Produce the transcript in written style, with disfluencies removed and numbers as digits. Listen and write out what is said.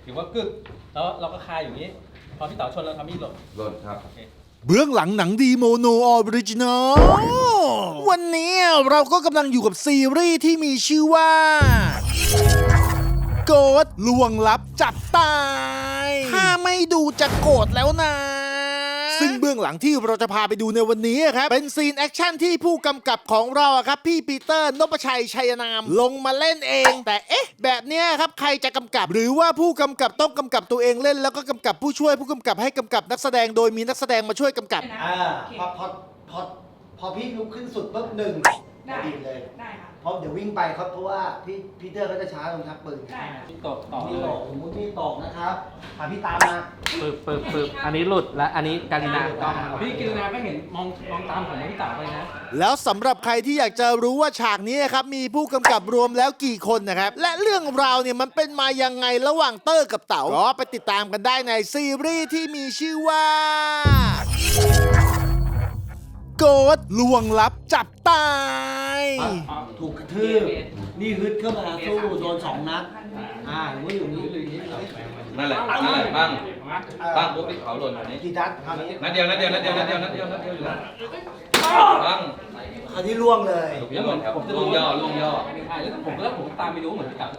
ถือว่ากึกแล้วเราก็คาอยู่นี้พอพี่เต๋าชนเราทำมีดหล่นหล่นครับเบื้องหลังหนังดีโมโนออริจินอลวันนี้เราก็กำลังอยู่กับซีรีส์ที่มีชื่อว่าโกดลวงลับจับตายถ้าไม่ดูจะโกรธแล้วนะ ซึ่งเบื้องหลังที่เราจะพาไปดูในวันนี้ครับเป็นซีนแอคชั่นที่ผู้กำกับของเราครับพี่ปีเตอร์นพชัยชัยนามลงมาเล่นเอง แต่เอ๊ะแบบเนี้ยครับใครจะกำกับ หรือว่าผู้กำกับต้องกำกับตัวเองเล่นแล้วก็กำกับผู้ช่วยผู้กำกับให้กำกับนักแสดงโดยมีนักแสดงมาช่วยกำกับพอพี่ลุกขึ้นสุดปุ๊บหนึ่งได้ดีดเลยได้ค่ะเพราะเดี๋ยววิ่งไปครับเพราะว่าพี่พีเตอร์เขาจะช้าตรงชักปืนได้ค่ะพี่ตกต่อมีเลตยกสมมติมีตกนะครับพี่ตามมาปึ๊บอันนี้หลุดและอันนี้การินาก็พี่กินนาก็เห็นมองตามผมพี่เต๋าไปนะแล้วสำหรับใครที่อยากจะรู้ว่าฉากนี้ครับมีผู้กำกับรวมแล้วกี่คนนะครับและเรื่องราวเนี่ยมันเป็นมายังไงระหว่างเตอร์กับเต๋าก็ไปติดตามกันได้ในซีรีส์ที่มีชื่อว่าโกดลวงลับจับตายถูกกระทืบนี่ฮึดเข้ามาสู้โดน2 นัดหรือว่าอยู่นี่หรือนี่นั่นแหละบ้างปุ๊บพี่เขาหล่นแบบนี้กี่นัดคราวนี้นัดเดียวอยู่แล้วบ้างคราวนี้ล่วงเลยยังหมดครับล่วงย่อใช่แล้วผมตามไปดูเหมือนพี่เต๋า